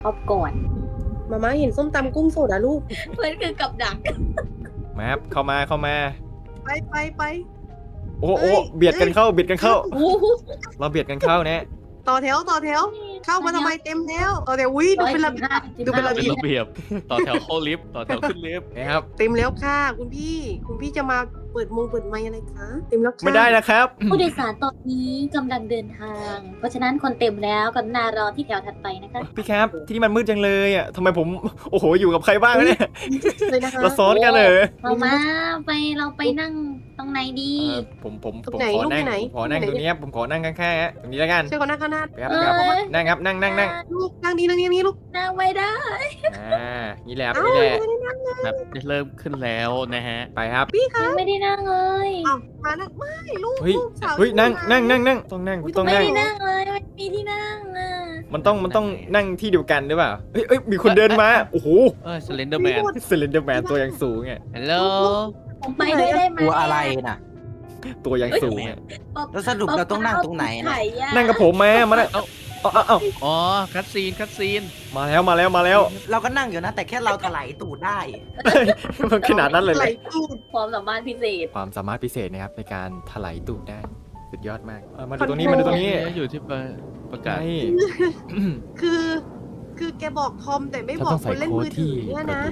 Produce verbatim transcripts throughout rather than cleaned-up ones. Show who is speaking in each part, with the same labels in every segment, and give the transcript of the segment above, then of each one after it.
Speaker 1: ออฟก่อน
Speaker 2: มาม่าเห็นส้มตำกุ้งสดอะลูก
Speaker 1: เพื่อนคือกับดัก
Speaker 3: แมปเข้ามาเข้ามา
Speaker 2: ไปไปไป
Speaker 3: โอ้โอ้เบียดกันเข้าเบียดกันเข้าเราเบียดกันเข้าเนี่ย
Speaker 2: ต่อแถวต่อแถวเข้ามาทำไมเต็มแถวต่อแถววิ่งดูเป็นระเบียบดูเป็นระเบียบ
Speaker 4: ระเบียบต่อแถวเข้าลิฟต์ต่อแถวขึ้นลิฟต์
Speaker 3: นะครับ
Speaker 2: เต็มแล้วค่ะคุณพี่คุณพี่จะมาเปิดมงเปิดไมค์อะไรคะเต็มแล้วค่ะ
Speaker 3: ไม่ได้นะครับ
Speaker 1: ผู้โดยสารตอนนี้กำลังเดินทาง เพราะฉะนั้นคนเต็มแล้วกรุณารอที่แถวถัดไปนะคะ
Speaker 3: พี่ครับที่นี่มันมืดจังเลยอ่ะทำไมผมโอ้โหอยู่กับใครบ้างเนี่ยเราซ้อนกันเลย
Speaker 1: เรามาไปเราไปนั่งตรงไหนดี
Speaker 3: ผมผมผมขอนั่งขอนั่งตรงนี้ผมขอนั่งข้างๆฮะตรงนี้แล้วกัน
Speaker 2: ช่วยกันนั่งข้างหน้า
Speaker 3: ครับนั่งครับนั่งนั่งนั่ง
Speaker 2: ลูกนั่งดีนั่งนี้ลูก
Speaker 1: นั่งไม่ได้
Speaker 3: อ่านี่แหละนี่แหละ
Speaker 4: แบบเริ่มขึ้นแล้วนะฮะ
Speaker 3: ไปครับ
Speaker 2: พี่คะ
Speaker 1: ไม่ได้นั่งเลย
Speaker 2: อ้าวมานั่งไม่ลูก
Speaker 3: เฮ้ยเฮ้ยนั่งนั่งนั่งนั่งต้องนั่งต้องนั่ง
Speaker 1: ไม่ได้นั่งเลยไม่มีที่นั่งอ่ะ
Speaker 3: มันต้องมันต้องนั่งที่เดียวกันหรือเปล่าเฮ้ยเฮ้ยมีคนเดินมาโอ้โห
Speaker 4: เออสเลนเดอร์แมน
Speaker 3: สเลนเดอร์แมนตัวยังสูงไง
Speaker 4: ฮัลโหล
Speaker 1: ผมไปด้วยได้ไหม
Speaker 5: ตัวอะไรน่ะ
Speaker 3: ตัวยังสูง
Speaker 5: แล้วสรุปเราต้องนั่งตรงไหนนะ
Speaker 3: นั่งกับผมแม่มาเอ้าเอ้าเอ้า
Speaker 4: อ๋อคัตซีนคัตซีน
Speaker 3: มาแล้วมาแล้วมาแล้ว
Speaker 5: เราก็นั่งอยู่นะแต่แค่เราถลายตูดได้
Speaker 3: มันขนาดนั้นเลยเลย
Speaker 1: ความสามารถพิเศษ
Speaker 3: ความสามารถพิเศษนะครับในการถลายตูดได้สุดยอดมากมาดูตรงนี้มาดูตรงนี้
Speaker 4: อยู่ที่ประกาศ
Speaker 2: คือคือแกบอกทอมแต่ไม่บอกคนเล่นมือถือเนี่ยนะ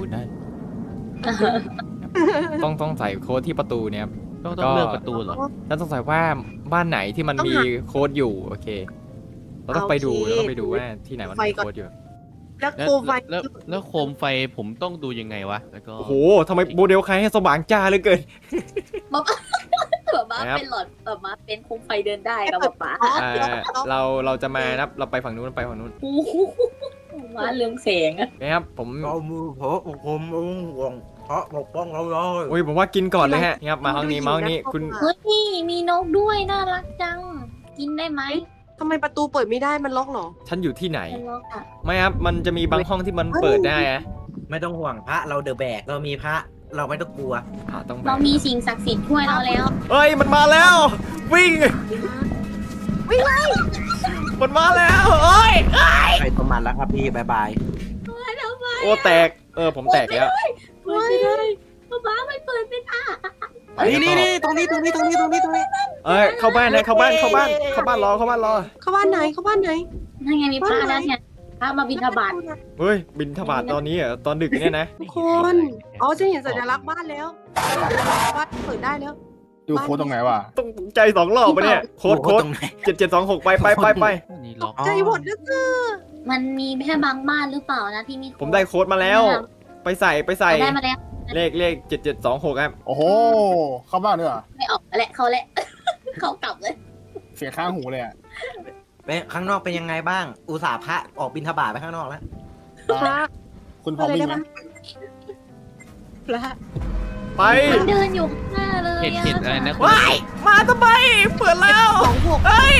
Speaker 3: ต้องต้องใส่โค้ดที่ประตูเนี่ย
Speaker 4: ต้องต้องเลือกประตูเหรอ
Speaker 3: แล้วต้องใส่ว่าบ้านไหนที่มันมีโค้ดอยู่โอเคเราต้องไปดูเราต้องไปดูว่าที่ไหนมันมีโค้ดอยู่
Speaker 2: แล้วโคมไฟ
Speaker 4: แล้วแล้วโคมไฟผมต้องดูยังไงวะแล้วก็
Speaker 3: โอ้โหทำไมโมเดลใครให้สว่างจ้าเลยเกิน
Speaker 1: บ๊อบแบบมาเป็นหลอดแบบมาเป็นโคมไฟเดินได้กับป๊าป๊า
Speaker 3: เราเราจะมานับเราไปฝั่งนู้นไปฝั่งนู้น
Speaker 1: มาเรื่องแสงอะ
Speaker 3: นะครับผม
Speaker 5: เอามือเพาะผมห่วงเพาะปกป้องเราเลย
Speaker 3: โอ้ยผมว่ากินก่อนเลยฮะครับมาห้องนี้มาห้องนี้คุณ
Speaker 1: เฮ้ยมีนกด้วยน่ารักจังกินได้ไหม
Speaker 2: ทำไมประตูเปิดไม่ได้มันล็อกหรอ
Speaker 3: ฉันอยู่ที่ไหนไม่ครับมันจะมีบางห้องที่มันเปิดได้อะ
Speaker 5: ไม่ต้องห่วงพระเราเดอะแบกเรามีพระเราไม่ต้องกลัว
Speaker 1: เรามีสิ่งศักดิ์สิทธิ์ช่วยเราแล้ว
Speaker 3: เฮ้ยมันมาแล้ววิ่ง
Speaker 2: วิ่งเลย
Speaker 3: มันมาแล้วเอ้ย
Speaker 5: ไปประมาณแล้วครับพี่บายบาย
Speaker 3: โอ้แตกเออผมแตกแล้ว
Speaker 1: เปิดไม่ได้ป๊าไม่เปิดไม่ได้
Speaker 5: นี่นี่นี่ตรงนี้ตรงนี้ตรงนี้ตรงนี้ตรงนี้
Speaker 3: เอ้ยเข้าบ้านนะเข้าบ้านเข้าบ้านเข้าบ้านรอเข้าบ้านรอ
Speaker 2: เข้าบ้านไหนเข้าบ้านไหน
Speaker 1: นั่นไงมีพระแล้วเนี่ยพระมาบิณฑบาต
Speaker 3: เฮ้ยบิณฑบาตตอนนี้เหรอตอนดึกเนี่ยนะ
Speaker 2: ทุกคนอ๋อจะเห็นสัญลักษณ์บ้านแล้วบ้านเปิดได้แล้ว
Speaker 6: ดูโค้ดตรงไหนวะ
Speaker 3: ต้องใจสองรอบไปเนี่ยโค้ดโค้ดเจ็ดเจ็ดสองหกไปไปไปไป
Speaker 2: ใจหมดแล้วคือ
Speaker 1: มันมีแค่บางบ้านหรือเปล่านะที่มี
Speaker 3: ผมได้โค้ดมาแล้วไปใส่ไปใส่
Speaker 1: ได้มาแล้ว
Speaker 3: เลขเลขเจ็ดเจ็ดสองหกครับ
Speaker 6: โอ้โหเข้าบ้านด้วยเหรอ
Speaker 1: ไม่ออกแหละเขาแหละเขากลับเลย
Speaker 6: เสียข้างหูเลยอ่ะ
Speaker 5: ไปข้างนอกเป็นยังไงบ้างอุตส่าห์พระออกบิณฑบาตไปข้างนอกแล้ว
Speaker 2: พระ
Speaker 6: คุณพอวิ่งไหม
Speaker 2: พระ
Speaker 3: ไป
Speaker 1: เดินอยู่ข้างหน้าเลย
Speaker 4: เห็นเห็นอะไรนะ
Speaker 3: ว้ายมาทำไมเปิดแล้วเฮ้ย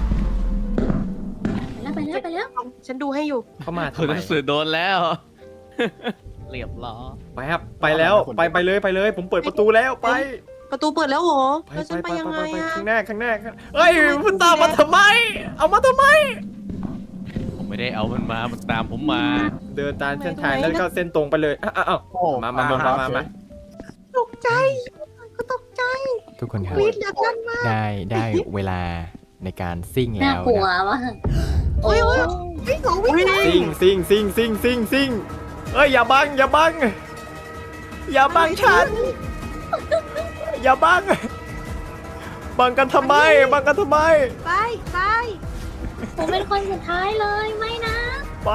Speaker 1: ไปแล้วไปแล้ว
Speaker 2: ฉันดูให้อยู่
Speaker 3: เข้ามา
Speaker 4: เธอหนังสือโดนแล้วเรียบร้อย
Speaker 3: ไปครับไปแล้วไปไปเลยไปเลยผมเปิดประตูแล้วไป
Speaker 2: ประตูเปิดแล้วเหรอแล้วฉันไปยังไงอะ
Speaker 3: ข้างหน้าข้างหน้าเฮ้ยมันตามมาทำไมเอามาทำไม
Speaker 4: ผมไม่ได้เอามันมามันตามผมมา
Speaker 3: เดินตามเส้นทางแล้วก็เส้นตรงไปเลยอ้าวมามามามามา
Speaker 2: ตกใจก็ตกใจ
Speaker 3: ทุกคนครับได้ได้เวลาในการซิ่งแล้ว
Speaker 1: น่ากลัวว่ะ
Speaker 2: โอ้ยวิ่งของวิ่ง
Speaker 3: ซิ่งซิ่งซิ่งซิ่งซิ่งซิ่งเอ้ยอย่าบังอย่าบังอย่าบังฉันอย่าบังบังกันทำไมบังกันทำไม
Speaker 2: ไปไป
Speaker 1: ผมเป็นคนสุดท้ายเลยไม่นะ
Speaker 3: ไป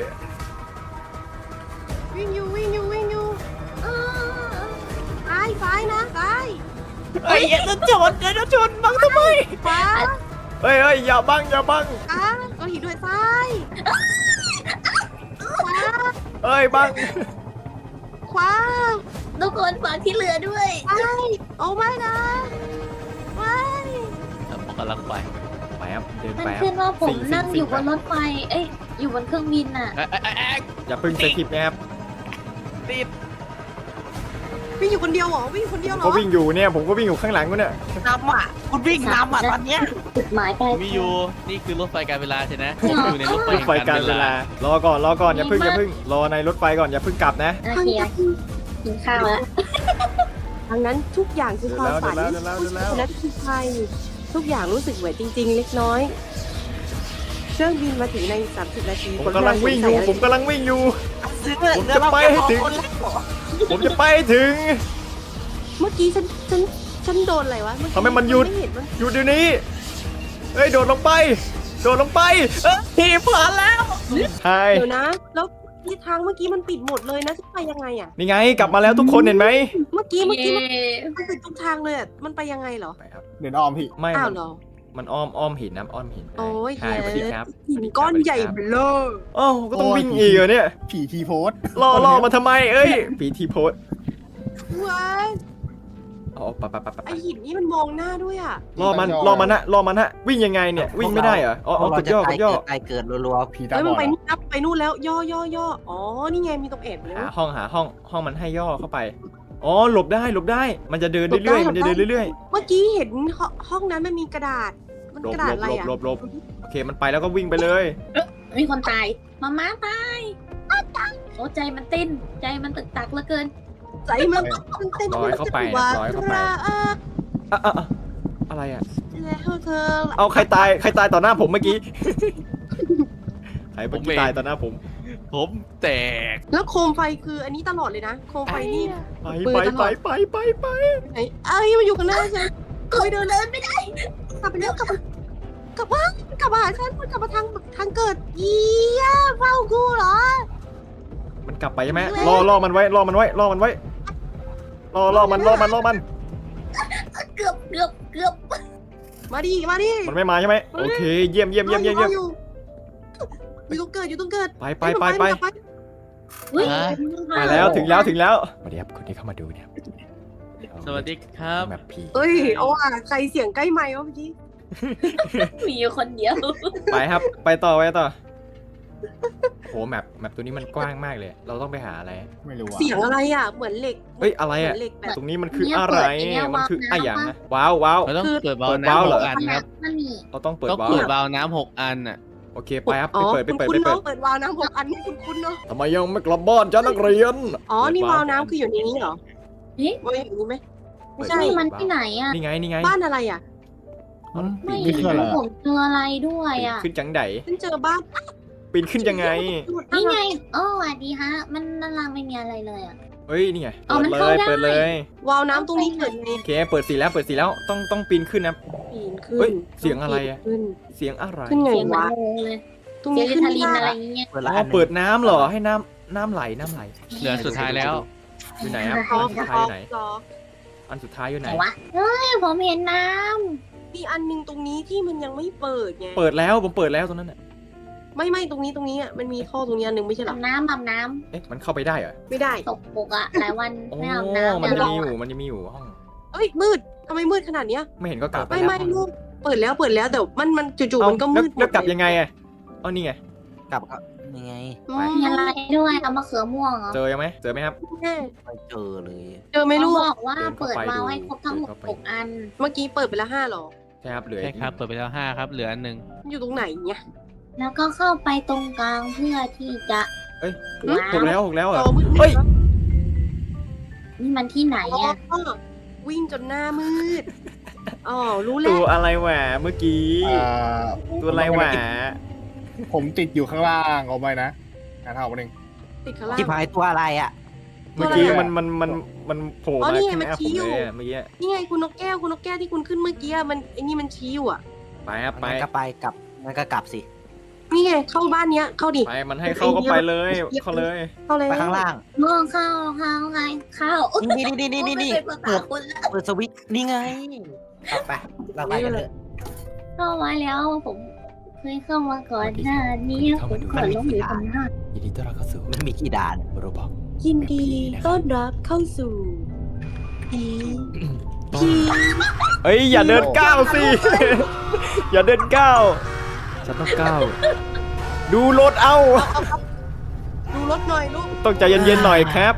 Speaker 2: วิ่งอยู่วิ่งอยู่วิ่งอยู่ไปไปนะไป
Speaker 3: เอ้ยอย่าชนอย่าชนบังทำไม
Speaker 2: ไป
Speaker 3: เฮ้ยเฮ้ยอย่าบังอย่าบัง
Speaker 2: อ่ะเราหินด้วยซ้ายขวา
Speaker 3: เฮ้ยบัง
Speaker 2: ขวา
Speaker 1: ทุกคนฝากที่เหลือด้วย
Speaker 2: ไปโอ้ไม่นะไม่
Speaker 4: ผมกำลังไป
Speaker 3: ไปครับเดิน
Speaker 1: ไป
Speaker 3: มัน
Speaker 1: ขึ้นว่าผมนั่งอยู่บนรถไฟเอ้ยอยู่บนเครื่องบินน่ะ
Speaker 3: อย่าพึ่งสกิปนะครับ
Speaker 4: ติด
Speaker 2: วิ่งอยู่คนเดียวเหรอวิ่งอยู่คนเดียว
Speaker 3: ผม
Speaker 2: เหร
Speaker 3: ก็
Speaker 2: อ
Speaker 3: วิ่งอยู่เนี่ยผมก็วิ่งอยู่ข้างหลังกูเนี่ย
Speaker 5: นำอ่ะ คุณวิ่งนำอ่ะตอนเนี้ย
Speaker 1: จุดหมายปลาย
Speaker 4: มีอยู่นี่คือรถไฟการเวลาใช่ไหมผมอยู่ในรถไฟ
Speaker 3: รถไฟการเวลา รอก่อนรอก่อนอย่าเพิ่งอย่าเพิ่งรอในรถไฟก่อนอย่าเพิ่งกลับนะ
Speaker 1: โอเคกินข้าวแล้ว
Speaker 2: ดังนั้นทุกอย่างคือความฝัน
Speaker 3: เดี๋ยวแล้วเดี๋ยวแล้วเดี๋ยวแล้ว
Speaker 2: นั้นคือใครทุกอย่างรู้สึกเหมือนจริง ๆ เล็กน้อยเครื่องบินมาถึงในสามสิบนาที
Speaker 3: ผมกำลังวิ่งอยู่ผมกำลังวิ่งอยู่
Speaker 5: ซื้อ
Speaker 3: ผมจะไปให้ถึง ผมจะไปให้ถึง
Speaker 2: เมื่อกี้ฉันฉันฉันโดนอะไรวะเอกี้
Speaker 3: ทำไมมันหยุด
Speaker 2: ไเห็นมัน
Speaker 3: อยู่เดี๋ยวนี้เฮ้ยโดดลงไป โดดลงไปเอ้ยผ่านแล้วใช่
Speaker 2: เดี๋ยวนะ แล้วที่ทางเมื่อกี้มันปิดหมดเลยนะจะไปยังไงอ่ะ
Speaker 3: นี่ไงกลับมาแล้วทุกคนเห็นไหม
Speaker 2: เมื่อกี้เมื่อกี้มัน
Speaker 1: เย้
Speaker 2: มันปิดทุกทางเลยอะมันไปยังไงเหรอ
Speaker 3: ไปครับ
Speaker 6: เดินอ้อมพี่
Speaker 3: ไม่
Speaker 2: อ้า
Speaker 3: มั
Speaker 2: วน เหรอ
Speaker 3: มันอ้อมอ้อมหินนะอ้อมหิน
Speaker 2: โอ้ย
Speaker 3: ใช่สวัสดีครับ
Speaker 2: หินก้อนใหญ่เบลอ
Speaker 3: โอ้าวก็ต้องวิ่งอีกเหรอเนี่ย
Speaker 6: ผีทีโพส
Speaker 3: ล่อล่อมาทำไมเอ้ยผีทีโพส
Speaker 2: ว้าย
Speaker 3: เอาไปไปไปไป
Speaker 2: ไอหินนี่มันมองหน้าด้วยอ่ะ
Speaker 3: ล่อมันล่อมันฮะล่อมันฮะวิ่งยังไงเนี่ยวิ่งไม่ได้เหรออ๋ออ๋อกดย่อกดย่อ
Speaker 5: ตายเกิดรัว
Speaker 6: ผีตา
Speaker 2: เอ้ย
Speaker 6: บ
Speaker 2: มัน
Speaker 6: อด
Speaker 2: ไป
Speaker 6: อะ
Speaker 2: นู่นนะไปนู่นแล้วย่อย่อย่ออ๋อนี่ไงมีตรงแอบแล้
Speaker 3: หาว ห้องหาห้องห้องมันให้ย่อเข้าไปอ๋อหลบได้หลบได้มันจะเดินเรื่อยๆมันจะเดินเรื่อย
Speaker 2: เมื่อกี้เห็นห้องห้องนั้นมันมีกระดาษ มัน
Speaker 3: ๆหลบ
Speaker 2: กระ
Speaker 3: ห
Speaker 2: ดา
Speaker 3: ล
Speaker 2: ษ
Speaker 3: บ
Speaker 2: อะไร
Speaker 3: หลบ
Speaker 2: อ่ะ
Speaker 3: หลบหลบโอเคมันไปแล้วก็วิ่งไปเลย
Speaker 1: มีคนตายมาม่าตายอ้าวตายโอ้ใจมันเต้นใจมันตึกตักเหลือเกิน
Speaker 2: ใจมันมันเต้น
Speaker 3: ร้อยเข้าไปนะร้อยเข้าไป
Speaker 2: อ่ะ
Speaker 3: อ่ะอ่ะอ่ะอะไรอ่ะ
Speaker 2: แล้วเธอ
Speaker 3: เอาใครตายใครตายต่อหน้าผมเมื่อกี้ ใครเมื่อกี้ตายต่อหน้าผม
Speaker 4: ผมแตก
Speaker 2: แล้วโคมไฟคืออันนี้ตลอดเลยนะ โคมไฟนี่
Speaker 3: ไป
Speaker 2: ปืน
Speaker 3: ไป
Speaker 2: ตล
Speaker 3: ไป
Speaker 2: อด
Speaker 3: ไปไปไป
Speaker 2: ไอ้ไอ้ยมันอยู่ข้างหน้าฉัน
Speaker 1: ก็เดินเดินไม่ได้
Speaker 2: กลับไปแล้วกลับมากลับมากลับมาหาฉันมันกลับมาทางทางเกิดเยี่ยเฝ้ากูเหรอ
Speaker 3: มันกลับไปใช่ไหมรอรอมันไว้รอมันไว้รอมันไว้รอรอมันรอมันรอมัน
Speaker 1: เกือบเกือบเกือบ
Speaker 2: มาดิมาดิ
Speaker 3: มันไม่มาใช่ไหมโอเคเยี่ยมเยี่ยมเยี่ยมเยี่ยมเยี่ยม
Speaker 2: อยู่อยู่ตรงเกิดอยู่ตรงเกิด
Speaker 3: ไปไปไปไป
Speaker 1: เฮ้ย
Speaker 3: มาแล้วถึงแล้วถึงแล้วสวัสดีครับคนที่เข้ามาดูเนี่ย
Speaker 4: สวัสดีครับ
Speaker 3: แบบผี
Speaker 2: เอ้ยเอาอ่ะใครเสียงใกล้ไมค์วะเมื่อกี้
Speaker 1: มีอยู่คนเดียว
Speaker 3: ไปครับ ไปต่อไปต่อโหแมปแมปตัวนี้มันกว้างมากเลย เราต้องไปหาอะไร
Speaker 6: ไม่รู้อะ
Speaker 2: เสียงอะไรอ่ะเหมือนเหล็ก
Speaker 3: เฮ้ยอะไร
Speaker 2: เหมื
Speaker 3: อ่ะ
Speaker 2: อนเหล็กแบบ
Speaker 3: ตรงนี้มันคืออะไรมันคืออะอย่างนะว้าวว้าว
Speaker 4: เราต้องเปิด
Speaker 3: เปิ
Speaker 4: วาล์ว
Speaker 3: ดวาล์ว
Speaker 4: น้ำ
Speaker 3: เห
Speaker 4: ห
Speaker 3: รอ
Speaker 4: กอันครับ
Speaker 1: มันมี
Speaker 3: เราต้องเปิด
Speaker 4: ต้อง
Speaker 3: วาล์
Speaker 4: เปิด
Speaker 3: ว
Speaker 4: วาล์วน้ำหกอันน่ะ
Speaker 3: โอเคไปครับ
Speaker 2: อ๋
Speaker 3: ไป
Speaker 2: อ
Speaker 3: เปิดไปเปิด
Speaker 2: คุณ
Speaker 3: ไป
Speaker 2: คุณ
Speaker 3: เปิ
Speaker 2: เนาะ
Speaker 3: ด
Speaker 2: เปิดวาล์วน้ำหกอันนี่คุณคุณเนาะ
Speaker 3: ทำไมยังไม่กลับบ้านจ้านักเรียน
Speaker 2: อ๋อนี่วาล์วน้ำคืออยู่ในนี้เหรอ
Speaker 1: เอ๊ะ
Speaker 2: วาล์วอยู่นี่ไหมไม่ใช่
Speaker 1: นี่มันที่ไหนอ่ะ
Speaker 3: นี่ไงนี่ไง
Speaker 2: บ้านอะไรอ่ะ
Speaker 6: อืม
Speaker 1: ไม่
Speaker 6: นี่คืออะไร
Speaker 1: ผ
Speaker 6: อะ
Speaker 1: มเจออะไรด้วยอ่ะ
Speaker 3: ขึ้นจังได
Speaker 2: ฉันเจอบ้าน
Speaker 3: ปีนขึ้นยังไง
Speaker 1: นี่ไงโอ้สวัสดีฮะ มันด้านล่างไม่มีอะไรเลยอ่ะ
Speaker 3: เฮ้ยนี่ไง
Speaker 1: อ๋อ
Speaker 3: เปิด
Speaker 1: มัน
Speaker 3: เล
Speaker 1: เข้าย ได้
Speaker 3: เปิดเลยว
Speaker 2: าล์วน้ำตรงนี้เกิดไง
Speaker 3: โอเคเปิดสีแล้วเปิดสีแล้วต้องต้องปีนขึ้นนะ
Speaker 2: ปีนขึ้น
Speaker 3: เฮ้ยเสียงอะไรอะ
Speaker 2: ขึ้น
Speaker 3: เสียงอะไร
Speaker 2: ขึ้นไง
Speaker 1: เสียงมัน
Speaker 2: วะ
Speaker 1: งงเลย
Speaker 2: ตรง
Speaker 1: เสีย
Speaker 2: นี้
Speaker 1: งลิ
Speaker 2: ขึ้น
Speaker 1: ทาลิน
Speaker 2: ไม่
Speaker 1: อะไร
Speaker 2: ได้
Speaker 1: อย่างเงี้ย
Speaker 5: เปิด
Speaker 3: อ๋
Speaker 5: ละ
Speaker 3: อ
Speaker 5: อันหนึ่ง
Speaker 3: เปิดน้ำเหรอให้น้ำน้ำไหลน้ำไหล
Speaker 4: เหลือสุดท้ายแล้ว
Speaker 3: อยู่ไหนครับ
Speaker 2: อ๋อ
Speaker 3: อันสุด
Speaker 2: อ๋
Speaker 3: ท้าย
Speaker 2: อ
Speaker 3: อยู่ไหน
Speaker 2: อ๋อ
Speaker 3: อันสุดท้ายอยู่ไห
Speaker 1: ไห
Speaker 3: น
Speaker 1: นวะเฮ้ยผมเห็นน้
Speaker 2: มีอันหนึงตรงนี้ที่มันยังไม่เปิดไง
Speaker 3: เปิดแล้วผมเปิดแล้วตรงนั้นน่ะ
Speaker 2: ไม่ไม่ตรงนี้ตรงนี้อ่ะมันมีท่อตรงนี้อันหนึงไม่ใช่
Speaker 1: ำ
Speaker 2: เหรอ
Speaker 1: อาบน้ำอาบน้
Speaker 3: เอ๊ะมันเข้าไปได้เหรอ
Speaker 2: ไม่ได้
Speaker 1: ำตกปกอ่ะหลายวัน
Speaker 3: โอ้
Speaker 1: ไม่อาบน้ำ
Speaker 3: มันจะ
Speaker 1: เดี๋ยว
Speaker 3: มี
Speaker 1: ร
Speaker 3: อยู่มันจะมีอยู่ห้อง
Speaker 2: เอ้ยมืดทำไมมืดขนาดเนี้ย
Speaker 3: ไม่เห็นก็กลับป
Speaker 2: ไม่
Speaker 3: แล้ว
Speaker 2: ไม่ลูกเปิดแล้วเปิดแล้วแต่มันมันจู่ๆ
Speaker 3: เอ้า
Speaker 2: มันก็
Speaker 3: แล้ว
Speaker 2: มืดหม
Speaker 3: แล้ว
Speaker 2: ด
Speaker 3: กลับ
Speaker 2: เล
Speaker 3: ยังไงอ่ะเอ้านี่ไง
Speaker 5: กลับก็ยังไง
Speaker 2: อื
Speaker 3: ไป
Speaker 1: มีอะไรด้วยเอามะเขือม่วงเหรอ
Speaker 3: เจอยังไหมเจอไหมครับ
Speaker 2: แน่
Speaker 5: ไม่เจอเลย
Speaker 2: เจอไหม่
Speaker 1: เขา
Speaker 2: ลูก
Speaker 1: บอกว่า
Speaker 3: เดินเข้า
Speaker 1: เปิด
Speaker 3: ไป
Speaker 1: วาล์ว
Speaker 3: ดู
Speaker 1: ให้ครบทั้งหมด
Speaker 3: เดินเข้าไป
Speaker 1: หกอัน
Speaker 2: เมื่อกี้เปิดไปแล้วห้าหรอ
Speaker 3: ใช่ครับเหลือ
Speaker 4: ใช่
Speaker 3: อีก
Speaker 4: ครับ เปิดไปแล้วห้าครับ เหลืออันหนึ่ง
Speaker 2: มันอยู่ตรงไหนเนี่ย
Speaker 1: แล้วก็เข้าไปตรงกลางเพื่อที่จะ
Speaker 3: เอ้ย
Speaker 1: ว้า
Speaker 3: หก
Speaker 1: ว
Speaker 3: แล้วหกแล้วเหร
Speaker 2: จ
Speaker 3: อ่ะ
Speaker 2: อมืด
Speaker 3: เฮ้ย
Speaker 1: นี่มันที่ไหน
Speaker 2: อ๋อ
Speaker 1: อ่ะ
Speaker 2: วิ่งจนหน้ามืดอ๋อรู้แล้
Speaker 3: ตัว
Speaker 2: ว
Speaker 3: อะไรแหวะเมื่อกี้
Speaker 6: อ่า
Speaker 3: ตัวอะไรแหวะ
Speaker 6: ผมติดอยู่ข้างล่างเอาไปนะอ่านเท่านึง
Speaker 2: ติดข้างล่าง
Speaker 5: ที่พายตัวอะไรอ่ะ
Speaker 3: เมื่อกี้
Speaker 2: ตัวอะไร
Speaker 3: มันมันมันมันโผล่
Speaker 2: อ๋อ
Speaker 3: มา
Speaker 2: นี่ไง
Speaker 3: ข้างห
Speaker 2: มัน
Speaker 3: น้าผ
Speaker 2: ชี้
Speaker 3: ม
Speaker 2: อยู่
Speaker 3: เลยอะเมื่อกี้
Speaker 2: นี่ไงคุณนกแก้วคุณนกแก้วที่คุณขึ้นเมื่อกี้อะมันไอ้นี่มันชี้อยู่อ่ะ
Speaker 3: ไปครับไป
Speaker 5: มันก็ไปกลับมันก็กลับสิ
Speaker 2: นี่ไงเข้าบ้านเนี้ยเข้าดิ
Speaker 3: ไปมันให้เข้าก็ไปเลยเข้าเลย
Speaker 2: เข้าเลย
Speaker 5: ไปข้างล่าง
Speaker 1: มองเข้าเข้าไงเข้า
Speaker 5: นี่นี่นี่นี่นี่
Speaker 1: ไม่เป็นภาษาคนละ
Speaker 5: เปิดสวิตช์นี่ไงกลับไปเราไปกันเลย
Speaker 1: เข้ามาแล้วผมเคยเข้ามาก่อนหน้านี้ผมก่อนล้มอยู่ตรงหน้า
Speaker 3: ยินดีต้อนรับเข้าสู่
Speaker 5: มันมีกี่ด่าน
Speaker 3: โรบอก
Speaker 2: ยินดีต้อนรับเข้าสู่ผี
Speaker 3: ผี เอ้ยอย่าเดินก้าวสิ อย่าเดินก้าวฉันต้องก้าวดูรถเอา
Speaker 2: ดูรถหน่อยลูก
Speaker 3: ต้องใจเย็นๆหน่อยครับ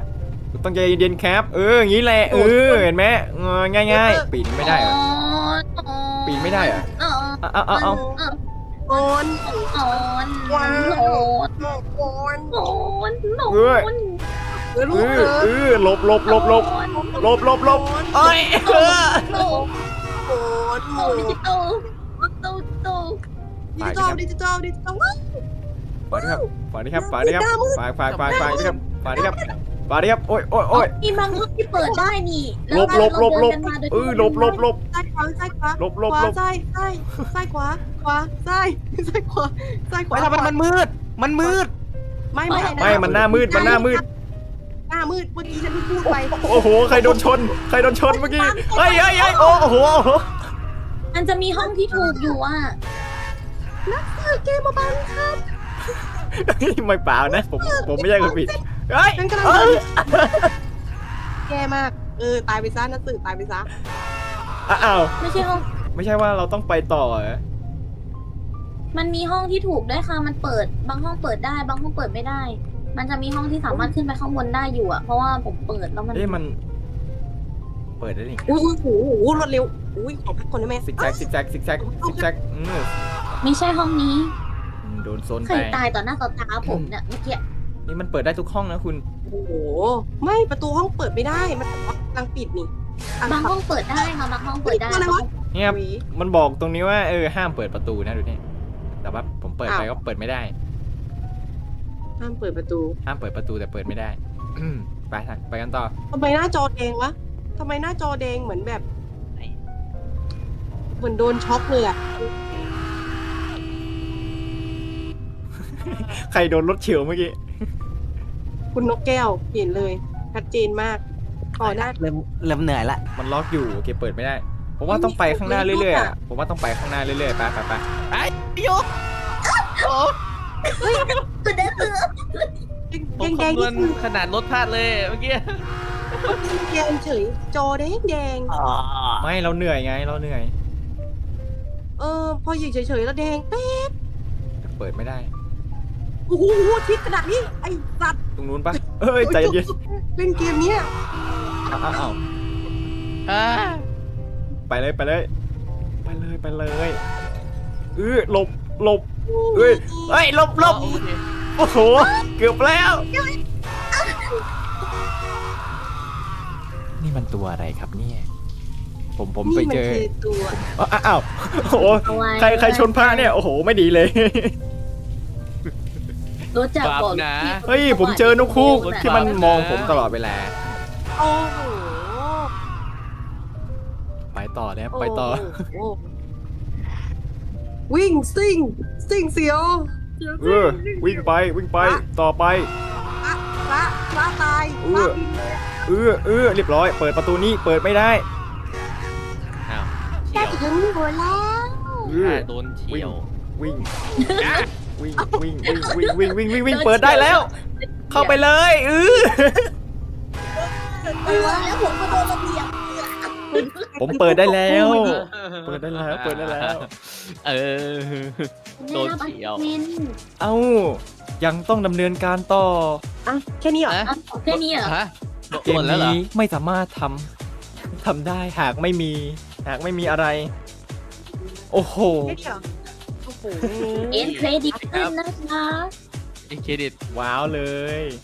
Speaker 3: ต้องใจเย็นๆครับ เอออย่างนี้แหละเออเห็นไหมเออง่ายๆ ปีนไม่ได้เหรอปีนไม่ได้เหรอ
Speaker 1: เออ
Speaker 3: เอาเอาเอา
Speaker 2: โอน
Speaker 1: อ่อนโอน
Speaker 2: โอน
Speaker 1: โอนโอนโอน
Speaker 2: เออ
Speaker 3: เอ
Speaker 2: ลูก
Speaker 3: อ
Speaker 2: เอ
Speaker 3: เอ
Speaker 2: อ
Speaker 3: อหลบหลบหลบหลบหลบหลบหลบเอ้ยเออ
Speaker 1: โต
Speaker 2: โอน
Speaker 1: โตดิจิตอลโตโต
Speaker 2: ดิจิตอลดิจิตอลดิจิตอลว้าว
Speaker 3: ฝากด้วยครับฝากด้วยครับฝากด้วยครับฝากฝากฝากฝากด้วยครับฝากด้วยครับฝากด้วยครับโอ้ยโอ้ยโอ้ย
Speaker 1: มีบางห้องที่เปิดได้นี่
Speaker 3: หลบหลบหลบหลบเออหลบหลบหลบ
Speaker 2: ซ้ายขวาซ้ายขวา
Speaker 3: หลบหลบ
Speaker 2: ขวา
Speaker 3: หลบ
Speaker 2: ซ้ายซ้ายซ้ายขวาขวาซ้ายซ้ายขวาซ้ายขวา
Speaker 5: ไม่ทำไมมันมืด มันมืด
Speaker 2: ไม่ไม่
Speaker 3: ไม่มันหน้ามืดมันหน้ามืด
Speaker 2: หน้ามืดเมื่อกี้ฉันเพิ่งพูดไป
Speaker 3: โอ้โหใครโดนชนใครโดนชนเมื่อกี้เฮ้ยเฮ้ยเฮ้ยโอ้โห
Speaker 1: มันจะมีห้องที่ถูกอยู่อ่ะ
Speaker 2: เออเกมมาบังครับ
Speaker 3: ไม่เปล่านะผมผมไม่ใช่คนผิดเฮ้ย
Speaker 2: ฉันกำลัง
Speaker 3: เอ้
Speaker 2: เดิ
Speaker 3: ย
Speaker 2: นแย่มากเออตายไปซะนักสืบตายไปซะ
Speaker 3: อ้าว
Speaker 1: ไม่ใช่ห้อง
Speaker 3: ไม่ใช่ว่าเราต้องไปต่อเหรอ
Speaker 1: มันมีห้องที่ถูกด้วยค่ะ มันเปิด บางห้องเปิดได้ บางห้องเปิดไม่ได้ มันจะมีห้องที่สามารถขึ้นไปข้างบนได้อยู่อ่ะ เพราะว่าผมเปิดแล้วมัน
Speaker 3: เอ๊ะมัน เปิดได้นี่
Speaker 2: อุ้ยอุ้ยโอ้โหรวดเร็วอุ้ยขอพักก่อนได้ไหม
Speaker 3: ซิกแซกซิกแซกซิกแซกซิกแซกอืม
Speaker 1: ไม่ใช่ห้องนี้
Speaker 3: โดนโซน
Speaker 1: ใคร
Speaker 3: ไป
Speaker 1: ตายต่อหน้าต่อตาผมเนี่ยเมื่อกี้
Speaker 3: นี่มันเปิดได้ทุกห้องนะคุณ
Speaker 2: โอ้โหไม่ประตูห้องเปิดไม่ได้มันบอกว่ากำลังปิดนี่
Speaker 1: บางห้องเปิดได้ค่ะบางห้องเปิดได้
Speaker 2: อะไรวะ
Speaker 3: เนี่ยครับมันบอกตรงนี้ว่าเออห้ามเปิดประตูนะดูนี่แต่ว่าผมเปิดไปก็เปิดไม่ได้
Speaker 2: ห้ามเปิดประตู
Speaker 3: ห้ามเปิดประตูแต่เปิดไม่ได้ ไปทางไปกันต่อ
Speaker 2: ทำไมหน้าจอแดงวะทำไมหน้าจอแดงเหมือนแบบ เหมือนโดนช็อกเลยอะ
Speaker 3: ใครโดนรถเฉียวเมื่อกี้
Speaker 2: คุณนกแก้วเห็นเลยชัดเจนมากก่อนหน้า
Speaker 5: เริ่มเริ่มเหนื่อยละ
Speaker 3: มันล็อกอยู่โอเคเปิดไม่ได้ ผมว่าต้องไปข้างหน้าเรื่อยๆอะผมว่าต้องไปข้างหน้าเรื่อยๆไปไปไป
Speaker 4: ไอ้ยกโอ้
Speaker 1: คือได้คือ
Speaker 4: ผม
Speaker 2: แดง
Speaker 4: คำนวณขนาดรถพลาดเลยเมื่อกี้
Speaker 2: แดงเฉยจอแดงแดง
Speaker 3: ไม่เราเหนื่อยไงเราเหนื่อย
Speaker 2: เออพออยู่เฉยๆแล้วแดงเป๊ะ
Speaker 3: เปิดไม่ได้
Speaker 2: โอ้โหทิศขนาดนี้ไอ้สัตว์
Speaker 3: ตรงนู้นปะเอ้ยใจเย็น
Speaker 2: เล่นเกมเนี้ย
Speaker 3: อ้าวอ้าวอ้าว
Speaker 4: อ่า
Speaker 3: ไปเลยไปเลย ไปเลยไปเลยเออหลบหลบเอ้ยเอ้ยหลบหลบ
Speaker 4: โอเค
Speaker 3: โอ้โหเกือบแล้ว นี่มันตัวอะไรครับเนี่ย ผมผมไป
Speaker 2: นี่มัน
Speaker 3: เจอ
Speaker 2: คือตัว
Speaker 3: อ้าวอ้าวโอ้โหใครใครชนพระเนี่ยโอ้โหไม่ดีเลย
Speaker 1: รู้จัก
Speaker 4: บาป
Speaker 1: บอก
Speaker 4: นะ
Speaker 3: เฮ้ยผมเจอนกคู่ที่มันมองผมตลอดเวลา
Speaker 2: โอ้โห
Speaker 3: ไปต่อเนี่ยไปต่อ
Speaker 2: โโหวิ่งซิ่งซิ่งเสียว
Speaker 3: เออวิ่งไปวิ่งไปต่อไป
Speaker 2: พระพระตาย
Speaker 3: เออ เออเออเรียบร้อย เปิดประตูนี้เปิดไม่ได้
Speaker 4: อ้าว
Speaker 2: แค่
Speaker 4: เฉียว
Speaker 2: ถึงหัวแล้ว
Speaker 3: เออ
Speaker 4: อ่าโดนเฉียว
Speaker 3: วิ่งวิ่งวิ่งวิ่งวิ่งวิ่งวิ่งวิ่งวิ่งเปิดได้แล้ว เข้าไปเลยเออ
Speaker 1: เออแล้วผมก็โดนระเบียบ
Speaker 3: ผมเปิดได้แล้ว เปิดได้แล้วเปิดได้แล้ว
Speaker 4: เออ โดนเฉียว
Speaker 1: มิน
Speaker 3: เอ้ายังต้องดำเนินการต่อ
Speaker 2: อ่ะแค่นี้เหรอ
Speaker 4: ฮะ
Speaker 1: อ่ะแค่นี้เหรอ
Speaker 4: ฮะ
Speaker 3: เก
Speaker 4: หม
Speaker 3: ม
Speaker 4: ดแล้วเหรอ
Speaker 3: นี้ไม่สามารถทำทำได้หากไม่มี หากไม่มีอะไร โอ้โห
Speaker 2: แค่นี้เหรอโอ้โห
Speaker 1: เอ็นเครดิตขึ้นนะคะ
Speaker 4: อีกเครดิต
Speaker 3: ว้าวเลย